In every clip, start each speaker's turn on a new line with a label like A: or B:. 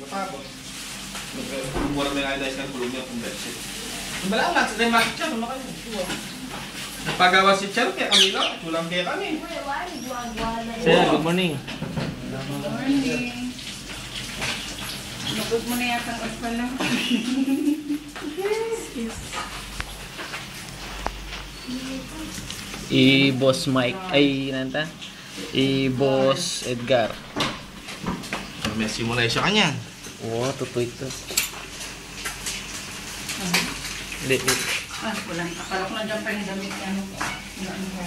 A: Matapos. Mura may iodized ng kulong niya kung beses. Wala lang, sa tayo makit siya, ano kayo? Nagpagawa si Charo, kaya kami lang. Walang kaya kami.
B: Sir, good morning.
C: Good morning. Nagod mo na yata ang pala.
B: I-boss Mike, ay nanta? I-boss Edgar.
A: May simulay siya kanya.
B: Oo, totoo ito. Lit.
C: Wala. Akala ko na dyan pa yung damit niya. Ano ko?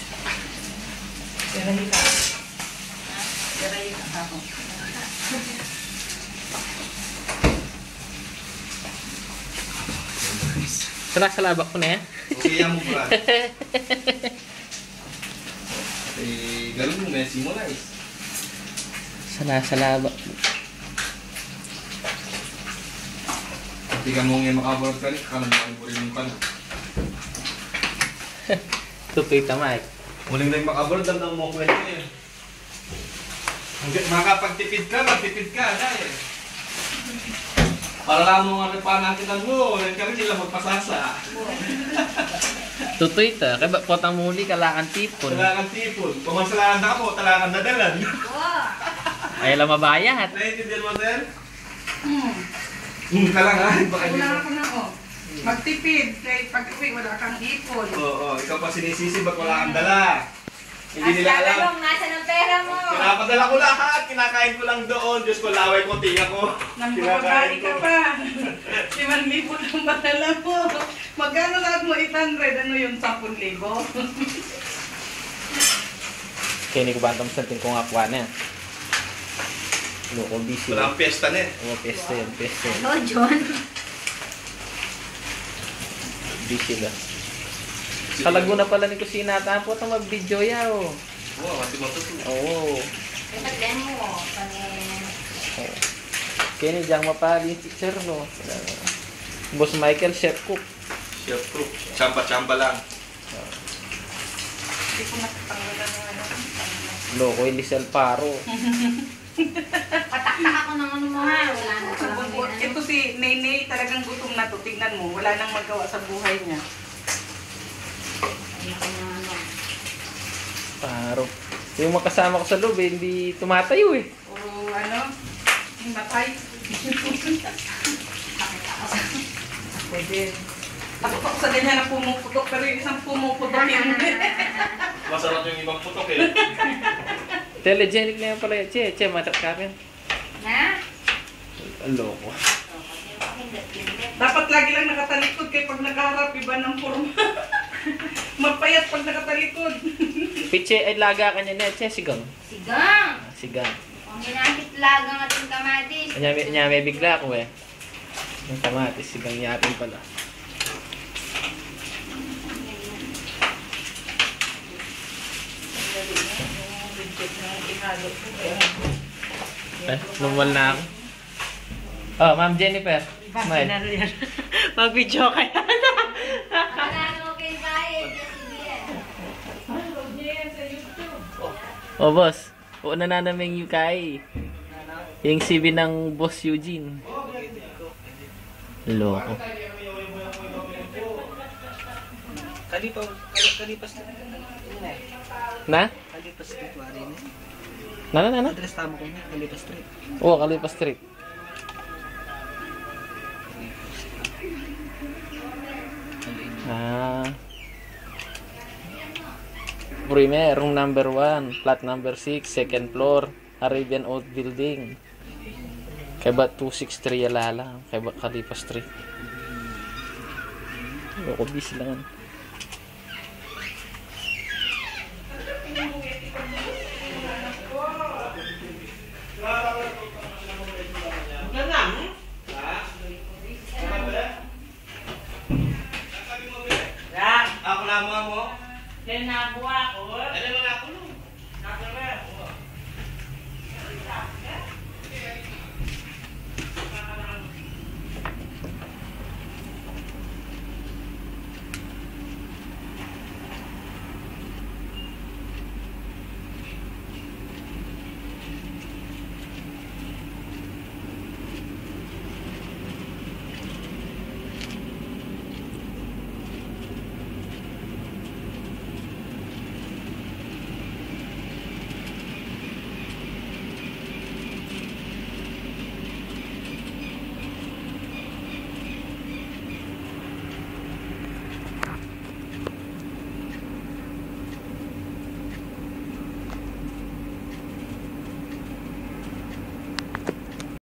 C: Yarahi ka. Yarahi ka ako.
B: Salabak ko na yan.
A: Okay yan mo pala. Ganun mo, may simulay.
B: Salabak.
A: Hindi ka mo ngayon makabarot ka rin, kanan mo ang burin yung pala.
B: Totoo ito, Mike.
A: Muling na yung makabarot, damdang mo kwento eh. Makapagtipid ka, magtipid ka, dahil. Para lang mo nga nagpanakitan mo, yan kami sila magpasasa.
B: Totoo ito. Kaya ba potang muli, kalakan tipon.
A: Talakan tipon. Pumasalakan na ako, talakan nadalan.
B: Ay, alam mabayat.
A: Naiintindihan mo, sir? Kalangan.
C: Wala ako na magtipid. Kahit pag-uwi, wala kang ipon.
A: Oo, ikaw pa sinisisi, ba't wala kang dala? Hindi nila alam.
D: Tanong, nasa ng pera mo?
A: Pinapadala ko lahat, kinakain ko lang doon. Diyos ko, laway ko, tinga ko.
C: Nambabali ka pa. 5,000 lang badala mo. Magkano lahat mo 800? Ano yung 10,000?
B: Kaya ni ko ba ang santin kong akwa na. Loko, busy.
A: Wala ang piyesta na eh.
B: Oo, peste yan.
D: Hello, John.
B: Busy lang. Sa Laguna pala ni Kusina, tapos ang mag-video yaw.
A: Oo, mati matutuwa.
B: Oo.
D: Ipagden mo.
B: Kaya ni Jang mapali yung teacher, no? Boss Michael, chef cook.
A: Chef cook. Chamba-chamba lang.
C: Hindi ko natatanggalan ng ano.
B: Loko, Elisel Paro.
D: Pataktak ako ng ano mo ha. Wala na pala.
C: Ito si Nene, talagang gutom na to. Tingnan mo, wala nang magawa sa buhay niya.
B: Paro. Yung makasama ko sa loob, eh, hindi tumatayo eh.
C: Puro ano, matay. Pwede. Takot ako sa ganyan na pumuputok, pero yung isang pumuputok yun.
A: Masarap yung ibang putok eh.
B: Telegenic na yan pala yan. Che, matat ka rin.
D: Na?
B: Loko.
C: Dapat lagi lang nakatalikod kaya pag nakaharap, iba ng forma. Mapayat pag nakatalikod.
B: Piche, ay laga ka niya na. Che, sigang.
D: Sigang.
B: Sigang.
D: Ang ginapit lagang ating kamatis.
B: Nya may bigla ako eh. Yung kamatis, sigang yapin pala. Normal na ako. Oh, Ma'am Jennifer. Smile.
C: Mag-video ka yan.
D: Wala mo kayo bayad.
B: Oh, boss. Una na namin yung kay. Yung CV ng Boss Eugene. Loko.
E: Kalipas
B: Na?
E: Kalipas street wari na.
B: Na?
E: Address tama ko na, Kalipas street.
B: Oo, Kalipa Street. Premier, room number 1, flat number 6, second floor, Arabian Oat Building. Kaya ba 263 Yalala? Kaya ba Kalipa Street? Loko, busy lang.
A: Ako lang mo.
C: Then nabuha ko.